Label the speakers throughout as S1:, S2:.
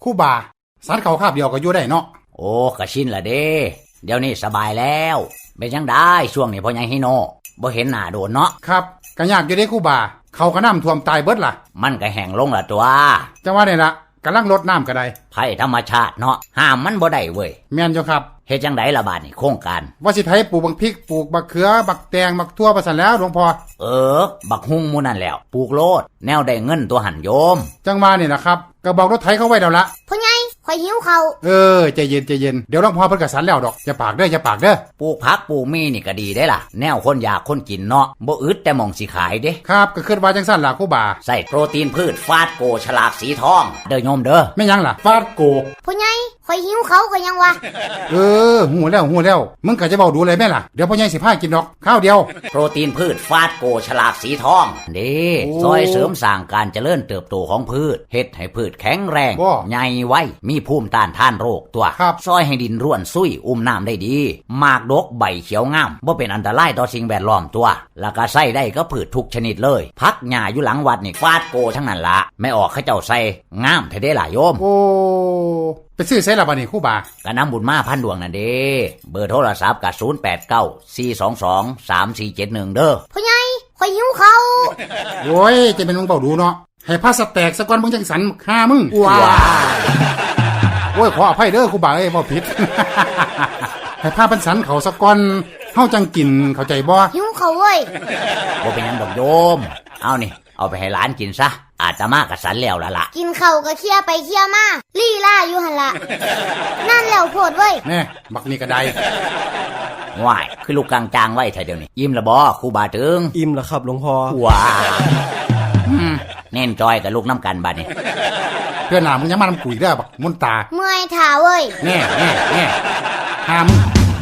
S1: ครู่บาสันเขาคาบเดียวก็อยู่ได้เนาะ
S2: โอ้กะชินละเด้เดี๋ยวนี้สบายแล้วเป็นยังได้ช่วงนี้พ่อใหญ่ฮิโนบ่เห็นหน้าโดนเนาะ
S1: ครับก็ยากอยู่เด้ครู่บาเขาก็น้ำท่วมตายเบิดล่ะ
S2: มันก็แห้งลงละตัว
S1: จังว่านี่ล่ะกำลังลดน้ำก็ได้
S2: ภัยธรรมชาติเนาะห้ามมันบ่ได้เว้ย
S1: แม่นอยู่ครับ
S2: เฮ็ดจังได๋ล่ะบาดนี้โครงการ
S1: ว่าสิไผปลูกบักพริกปลูกบักเขือบักแตงบักทั่วประสันแล้วหลวงพ่อ
S2: บักฮุ่งหมู่นั่นแล้วปลูกโลดแนวได้เงินตัวหันโยม
S1: จังว่านี่ล่ะครับก็บอกรถไถเขาไว้แล้วละ
S3: พ่อใหญ่ข่อยหิวข้าว
S1: ใจเย็นเดี๋ยวหลวงพ่อเพิ่นก็สันแล้วดอกอย่าปากเด้อ
S2: ปลูกผักปลูกมีนี่ก็ดีได้ล่ะแนวคนอยากคนกินเนาะบ่อึดแต่มองสิขายเด้
S1: ครับก็คิดว่าจังซั่นล่ะครูบา
S2: ใส่โปรตีนพืชฟาดโกฉลากสีทองเด้อโยมเด้อ
S1: แม่ยังล่ะฟาดโก
S3: พ่อใหญ่ข่อยหิวข้าวก็ยังวะ
S1: หูแล้วมึงก็จะเว้าดูเลยแม่ล่ะเดี๋ยวพ่อใหญ่สิพากินดอกข้าวเดียว
S2: โปรตีนพืชฟาดโกฉลากสีทองนี่ซอยเสริมสร้างการเจริญเติบโตของพืชเฮ็ดให้พืชแข็งแรงใหญ่ไวมีภูมิต้านทานโรคตัวซอยให้ดินร่วนซุยอุ้มน้ำได้ดีหมากดกใบเขียวงามบ่เป็นอันตรายต่อสิ่งแวดล้อมตัวแล้วก็ใส่ได้ก็พืชทุกชนิดเลยพักหญ้าอยู่หลังวัดนี่ฟาดโกทั้งนั้นละไม่ออกเขาเจ้าใส่งามแท้เด้ล่ะโยม
S1: ไปซื้อใส่ละบัดนี้ครูบา
S2: ก็นำบุญมาพันดวงนั่นเด้เบอร์โทรศัพท์ก็0894223471เด้อ
S3: พ่อใหญ่ข่อยหิวข้าว
S1: โอ้ยจะเป็นมึงเบาดูเนาะให้พาสแตกซะก่อนมึงจังสันฆ่ามึงว้าโอ้ยขออภัยเด้อครูบาเอ้ยบ่ผิดให้พาปันสันเขาซะก่อนเฮาจังกินเข้าใจบ่
S3: หิวข้าวเว้ย
S2: บ่เป็นหยังดอกโยมเอานี่เอาไปให้หลานกินซะอาตมาก็สันแล้วล่ะ
S3: กินข้าวก็เคี่ยไปเคี่ยมาลี่ล่าอยู่หั่นล่ะนั่นแล้วโพดเว้ย
S1: แน่บักนี่ก็ได้
S2: ว้ายคือลูกกลางจางไว้แท้เดี๋ยวนี้อิ่มละบ่ครูบาถึง
S4: อิ่มแล้วครับหลวงพ่อ
S2: ว้าเน้นจอยกับลูกน้ำกันบัดนี้
S1: เพื่อนหน้ามึงยังมาน้ำกุยเด้อบักมนตา
S3: เมื่อยท่าเว้ย
S1: แน่ห้าม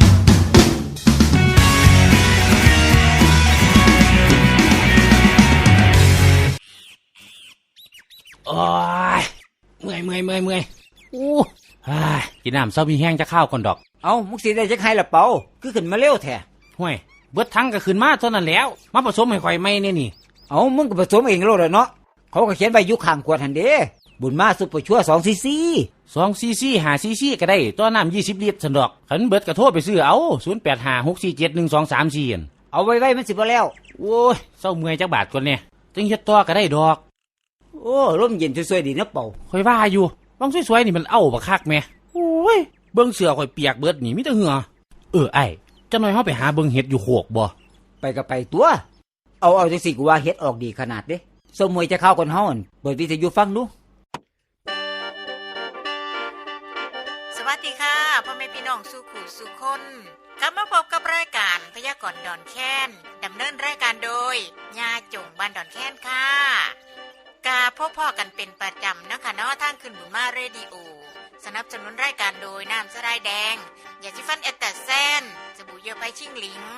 S5: โอ้ยเมื่อยอู้กินน้ำเศร้ามีแห้งจะข้าวก่อนดอก
S6: เอามุกสีได้จักให้ละเปาคือขึ้นมาเร็วแท้
S5: ห่วยเบิดทั้งก็ขึ้นมาเท่านั้นแล้วมาผสมให้ข่อยไม่เนี่ยนี่
S6: เอามึงก็ผสมเองโลดเนาะเขาก็เขียนใบยุข้างขวดหั่นเด้บุญมาซุปเปอร์ชั่ว2 cc
S5: 2 cc 5 cc ก็ได้ตัวน้ำ20 ลิตรซั่นดอกคันเบิดก็โทรไปซื้อเอา0856471234
S6: เอาไว้มันสิบ่แล้ว
S5: โอ้ยเศร้าเมื่อยจักบาทก่อนเนี่ยจังเฮ็ดต่อก็ได้ดอก
S6: โอ้ลมเย็นสวยๆดีนะเป่า
S5: ข่อยว่าอยู่บางสวยๆนี่มันเอาบักคักแม่โอ้ยเบิ่งเสื้อข่อยเปียกเบิดนี่มีแต่เหงื่อไอ้จังหน่อยเฮาไปหาเบิ่งเฮ็ดอยู่โคกบ่
S6: ไปก็ไปตัวเอาจังสิกูว่าเฮ็ดออกดีขนาดเด้สมวยจะเข้าก่อนเฮาเปิดวิทยุฟังดู
S7: สวัสดีค่ะพ่อแม่พี่น้องสู่ขู่สู่คนกลับมาพบกับรายการพยากรณ์ดอนแค้นดำเนินรายการโดยญาจงบ้านดอนแค้นค่ะกาพบพ่อกันเป็นประจำนะคะเนาะทางขึ้นบุญมาเรดิโอสนับสนุนรายการโดยน้ำสะไลแดงยาสีฟันเอตตาแซนสบู่เยื่อใบชิ่งหลิง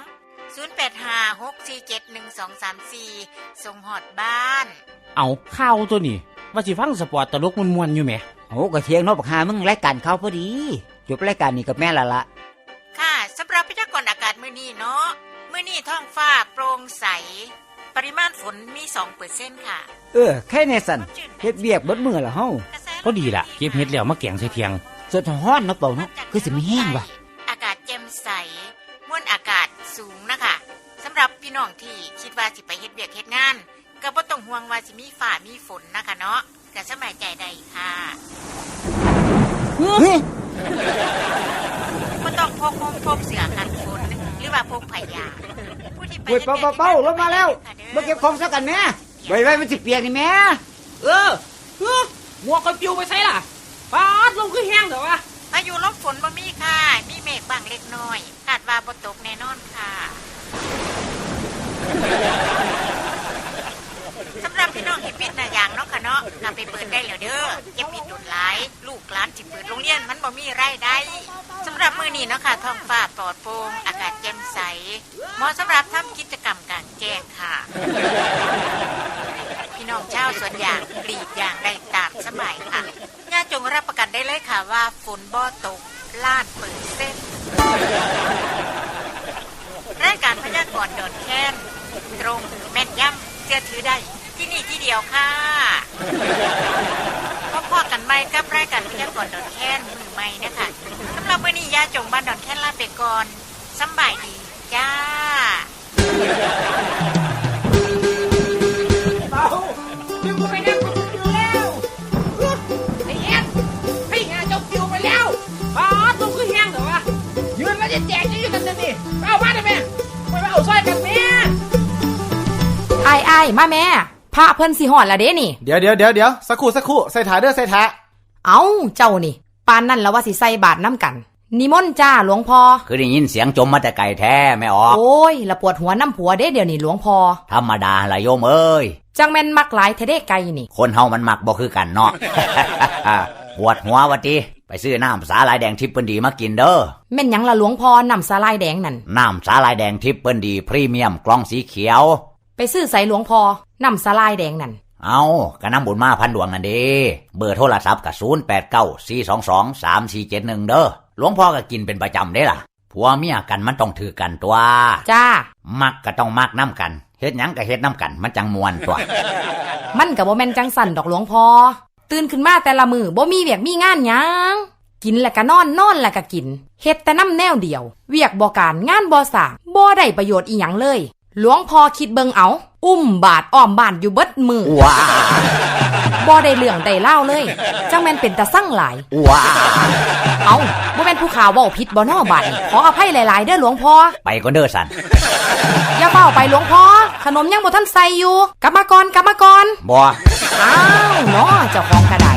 S7: 0856471234ส่งฮอดบ้าน
S5: เอาข้าวตัวนี้ว่าสิฟังสปอร์ตตลกม่วนๆอยู่แหม
S6: โอ้ก็เที่ยงเนาะบักหามึงรายการเข้าพอดีจบรายการนี้กับแม่ละ
S7: ค่ะสำหรับพยากรณ์อากาศมื้อนี้เนาะมื้อนี้ท้องฟ้าโปร่งใสปริมาณฝนมี 2% ค่ะ
S6: แค่แน่สั่นเฮ็ดเวียกเบิดมื้อละเฮา
S5: ก็ดีล่ะเก็บเฮ็ดแล้วมาแกงใส่เที่ยง
S6: สดฮ้อนเนาะเป่าเนาะคือสิมีแห้งว่ะ
S7: อากาศแจ่มใสมวลอากาศสูงนะคะสำหรับพี่น้องที่คิดว่าสิไปเฮ็ดเวียกเฮ็ดงานก็บ่ต้องห่วงว่าสิมีฟ้ามีฝนนะคะเนาะก็สบายใจได้ค่ะบ่ต้องพกเสื้อกันฝนหรือว่าพกผ้ายาง
S6: ผู้ที่ไปเป่าลงมาแล้วมาเก็บของซะกันแม่ไว้มันสิเปียกนี่แม่
S5: หมวกก็ปิวไปใส่ล่ะปาดลงคือแห้งเด้อวะ
S7: พายุลมฝนบ่มีค่ะมีเมฆบางเล็กน้อยคาดว่าบ่ตกแน่นอนค่ะสำหรับพี่น้องที่ปิดหน้ายางเนาะค่ะเนาะนำไปเปิดได้แล้วเด้ออย่าปิดดุนหลายลูกหลานสิเปิดโรงเรียนมันบ่มีรายได้สำหรับมื้อนี้เนาะค่ะท้องฟ้าปลอดโปร่งอากาศแจ่มใสเหมาะสำหรับทำกิจกรรมกลางแจ้งค่ะพี่น้องชาวสวนยางกรีดยางได้ตามสบายค่ะญาติจงรับประกันได้เลยค่ะว่าฝนบ่ตกล้าน%รายการพยากรณ์ดอนแค้นตรงแม่นยำเชื่อถือได้ที่นี่ที่เดียวค่ะขอบพอกันใหม่กับรายการพยากรณ์ดอนแค้นมือใหม่นะคะสำหรับวันนี้ยาจงบ้านดอนแค้นลาไปก่อนสำบายดีจ้า
S4: อยู่ไปนั่งกูอยู่แล้วไอ้เอ็ดให้งานจบคิวไปแล้วตุ้มคือแห้งเหรอวะยืนแล้วจะแจกจะอยู่กันจะนี่เอามาได้ไหมไม่เอาซอยกันแม่
S8: ไอ้มาแม่พระเพิ่นสิหอดละเด้นี่
S9: เดี๋ยวสักครู่ใส่ถาเด้อใส่ถา
S8: เอาเจ้านี่ปานนั่นแล้วว่าสิใส่บาตรน้ำกันนิมนต์จ้าหลวงพ่อ
S2: คือได้ยินเสียงจมมาแต่ไกลแท้ไม่ออก
S8: โอ้ยละปวดหัวน้ำผัวเด้เดี๋ยวนี้หลวงพ่อ
S2: ธรรมดาละโยมเอ้ย
S8: จังแม่นมักหลายเทเด้ไก่นี่
S2: คนเฮามันมักบ่คือกันเนาะ ปวดหัววะติไปซื้อน้ำสาลายแดงทิพย์เปิ้นดีมากินเด้อ
S8: แม่นหยังละหลวงพ่อน้ำสาลายแดงนั่น
S2: น้ำสาลายแดงทิพย์เปิ้นดีพรีเมียมกล่องสีเขียว
S8: ไปซื้อใส่หลวงพ่อน้ำสาลายแดงนั่น
S2: เอากะน้ำบุญมาพันดวงนั่นเด้เบอร์โทรศัพท์ก็0894223471เด้อหลวงพ่อก็กินเป็นประจำเด้ล่ะผัวเมียกันมันต้องถือกันตัว
S8: จ้า
S2: มักก็ต้องมักน้ำกันเฮ็ดหยังก็เฮ็ดน้ำกันมันจังมวนตัว
S8: มันก็บ่แม่นจังสั่นดอกหลวงพ่อตื่นขึ้นมาแต่ละมื้อบ่มีเวียกมีงานหยังกินแล้วก็นอนแล้วก็กินเฮ็ดแต่น้ำแนวเดียวเวียกบ่การงานบ่สร้างบ่ได้ประโยชน์อีหยังเลยหลวงพ่อคิดเบิ่งเอาอุ้มบาทอ้อมบ้านอยู่เบิดมือ
S2: ว้า
S8: บ่ได้เรื่องได้เล่าเลยจังแม่นเป็นตาสั่งหลาย
S2: ว้า
S8: เอาบ่แม่นผู้ข่าวเว้าผิดบ่น้อบัดขออภัยหลายๆเด้อหลวงพ่อ
S2: ไปก่อนเด้อสัน
S8: อย่าเฝ้าไปหลวงพ่อขนมยังบ่ทันใส่อยู่กลับมาก่อน
S2: บ่
S8: อ้าวเนาะเจ้าของก็ได้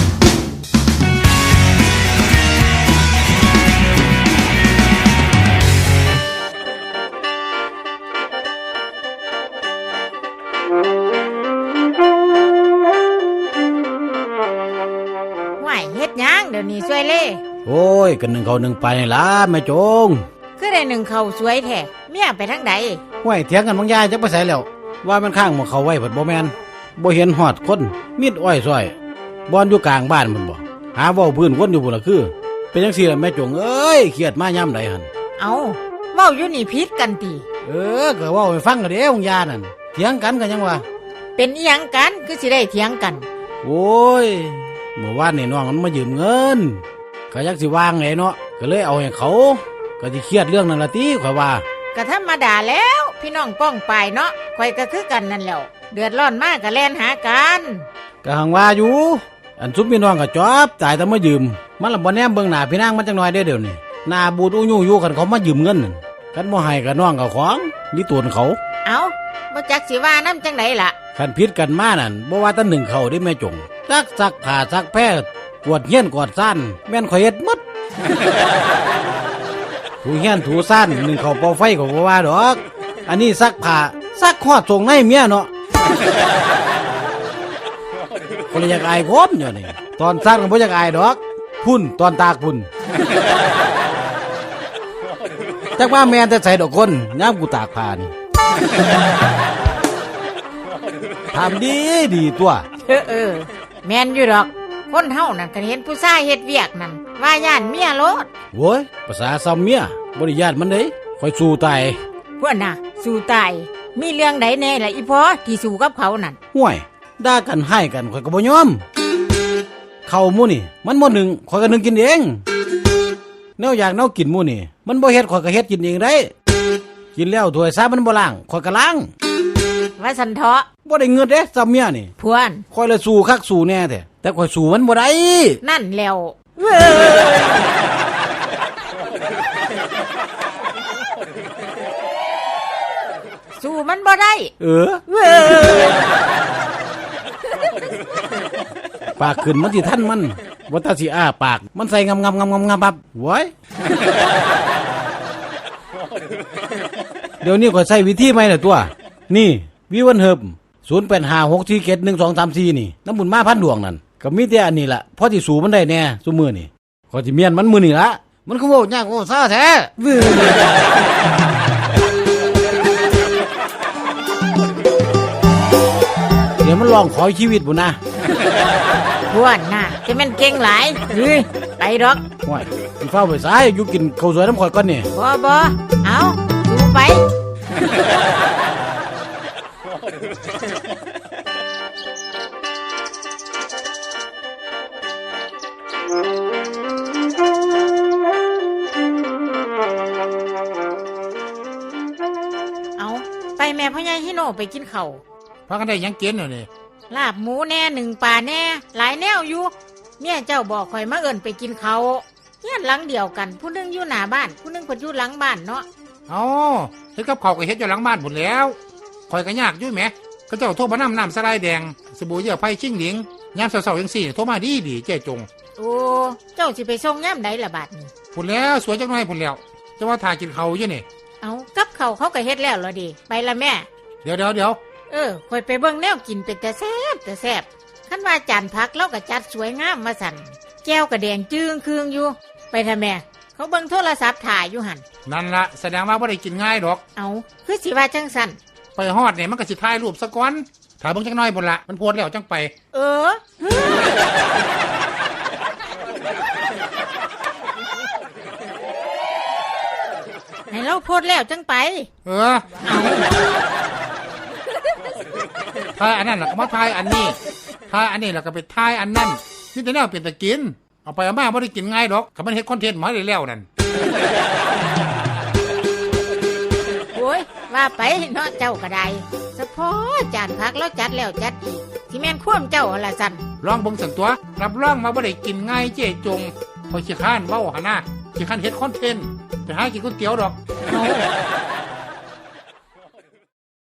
S7: เฮ็ดหยังเดี๋ยวนี้สวยเล่
S5: โอ้ยกันหนึ่งเขาหนึ่งไปนี่ล่ะแม่จง
S7: คือได้หนึ่งเขาสวยแท้เมียไปทางใด
S5: ห้วยเถียงกันบางยายจักไปไสแล้วว่ามันข้างหม้องเขาไว้เพิ่นบ่แม่นบ่เห็นฮอดคนมีดอ้อยซอยบ่อนอยู่กลางบ้านมันบ่หาเว้าพื้นคนอยู่พุ่นล่ะคือเป็นจังซี่ล่ะแม่จงเอ้ยเครียดมายามใดหั่น
S7: เอาเว้าอยู่นี่ผิดกันติ
S5: ก็เว้าให้ฟังก็เด้บางยานั่นเถียงกันก็ยังว่า
S7: เป็นอีหยังกันคือสิได้เถียงกัน
S5: โอ้ยเมื่อวานนี่น้องมันมายืมเงินก็ยักสิวางไงเนาะก็เลยเอาให้เขาก็สิเครียดเรื่องนั้นละติข่อยว่า
S7: ก็ธรรมดาแล้วพี่น้องป้องปายเนาะข่อยก็คือกันนั่นแหละเดือดร้อนมากก็แล่นหากัน
S5: ก็หังว่าอยู่อันซุปพี่น้องก็จอบจ่ายแต่มายืมมันละบ่แนมเบิ่งหน้าพี่นางมันจังน้อยเด้อเดี๋ยวนี้หน้าบูดอู้ยู่อยู่กันเขามายืมเงินกันบ่ให้ก็น้องก็ของนี่ตัวเขา
S7: เอาบ่จักสิว่านำจังได๋ล่ะ
S5: คันผิดกันมานั่นบ่ว่าแต่หนึ่งเขาได้แม่จงซักผ้าซักแพร่กวดเฮียนกวดซ่านแม่นข่อยเฮ็ดหมด ถูเฮียนถูซ่านหนึ่งเขาเป่าไฟก็บ่ว่าดอกอันนี้ซักผ้าซักฮอดส่งให้เมียเนาะคนอยากอายคนอยู่นี่ตอนซักก็บ่อยากอายดอกพุ่นตอนตากพุ่นจักว่าแม่นแต่ใส่ดอกคนยามกูตากผ้านี่ทำดีตัว
S7: แม่นอยู่ดอกคนเฮานั่นก็เห็นผู้ชายเฮ็ดเวียกนั่นว่าย่านเมียโลด
S5: โว้ยภาษาซ้ำเมียบ่ได้ญาติมันเด้ค่อยสู้ตาย
S7: พวกน่ะสู้ตายมีเรื่องใดแน่ล่ะอีพ่อที่สู้กับเขานั่น
S5: ห่วยด่ากันให้กันข่อยก็บ่ยอมข้าวหมู่นี่มันบ่หนึ่งข่อยก็นึ่งกินเองแนวอยากแนวกินหมู่นี่มันบ่เฮ็ดข่อยก็เฮ็ดกินเองได้กินแล้วถ้วยซามันบ่ล้างข่อยก็ล้าง
S7: ว่าสันเถาะ
S5: บ่ได้เงินเด้ซ้ำเมียนี่
S7: พวน
S5: ข่อยเลยสู้คักสู้แน่แต่ข่อยสู้มันบ่ได้
S7: นั่นแล้วสู้มันบ่ได้
S5: ปากขึ้นมันสิทันมันบ่ตาสิอ้าปากมันใส่งำปับโว้ยเดี๋ยวนี้ข่อยใช้วิธีใหม่น่ะตัวนี่วิวันเฮิบ0856471234นี่น้ำบุญมาพันดวงนั่นก็มีแต่อันนี้ล่ะพอสิสู้มันได้แน่ซุมื้อนี่ข่อยสิเมียนมันมื้อนี่ล่ะมันคือเว้ายากโอ้ซ่าแท้เดี๋ยวมันลองขอชีวิตบุญนะ
S7: พวนน่ะจะแม่นเก่งหลายไปดอก
S5: ว้ายสิฟ้าไปซ้ายอยู่กินข้าวสวยน้ำข่อยก่อนนี่
S7: บ่เอาสู้ไปเอาไปแม่พ่อใหญ่ฮิโนไปกินข้าว
S1: พากันได้หยังกินเดี๋ยวนี้
S7: ลาบหมูแน่หนึ่งป่าแน่หลายแนวอยู่เมียเจ้าบอกข่อยมาเอิ้นไปกินเขาวเฮียนหลังเดียวกันผู้หนึงอยู่หน้าบ้านผู้หนึงเพิ่นอยู่หลังบ้านเนาะ
S1: เอาเฮ็ดกับข้าวก็เฮ็ดอยู่หลังบ้านหมดแล้วคอยก็ยากอยู่แหมก็เจ้าโทรมาน้ำสลายแดงสบู่เหยื่อไผ่ชิงหลิงยามเช้าๆจังซี่โทรมาดีเจ๊จง
S7: โอ้เจ้าสิไปส่งยามใดล่ะบาดนี้
S1: พุ่นแล้วสวยจังหน่อยพุ่นแล้วจะว่าถ่ายกินข้าวอยู่นี่
S7: เอากับเขาวเขาก็เฮ็ดแล้วเหรอดิไปละแม่
S1: เดี๋ยว
S7: ข่อยไปเบิ่งแนวกินเป็นแต่แซ่บคันว่าจานผักเราก็จัดสวยงามมาสั่นแก้วก็แดงจึ้งคืองอยู่ไปทำแม่เขาเบิ่งโทรศัพท์ถ่ายอยู่หั่น
S1: นั่นละแสดงว่าบ่ได้กินง่ายดอก
S7: เอาคือสิว่าจังสั่น
S1: ไปฮอดเนี่ยมันก็สิถ่ายรูปซะก่อนถ่ายเบิ่งจักหน่อยพุ่นละมันโพสแล้วจังไป
S7: เออ ให้เราโพดแล้วจังไป
S1: เออถ่ายอันนั้นแล้วก็มาถ่ายอันนี้ถ่ายอันนี้แล้วก็ไปถ่ายอันนั้นนี่แต่แนวเป็นตะกินเอาไปเอามาบ่ได้กินง่ายดอกก็มันเฮ็ดคอนเทนต์มาได้แล้วนั่น
S7: โอ้ยว่าไปเนาะเจ้าก็ได้เฉพาะจานผักแล้วจัดแล้วจัดอีกที่แม่นคว่ำเจ้าอะไรสั่น
S1: ลองเบิ่งสันตัวรับรองมาบ่ได้กินง่ายเจ๊จงพอขี้ข้านเว้าหาหน้าขี้ข้านเฮ็ดคอนเทนต์ไปหากินก๋วยเตี๋ยวดอก
S7: เอา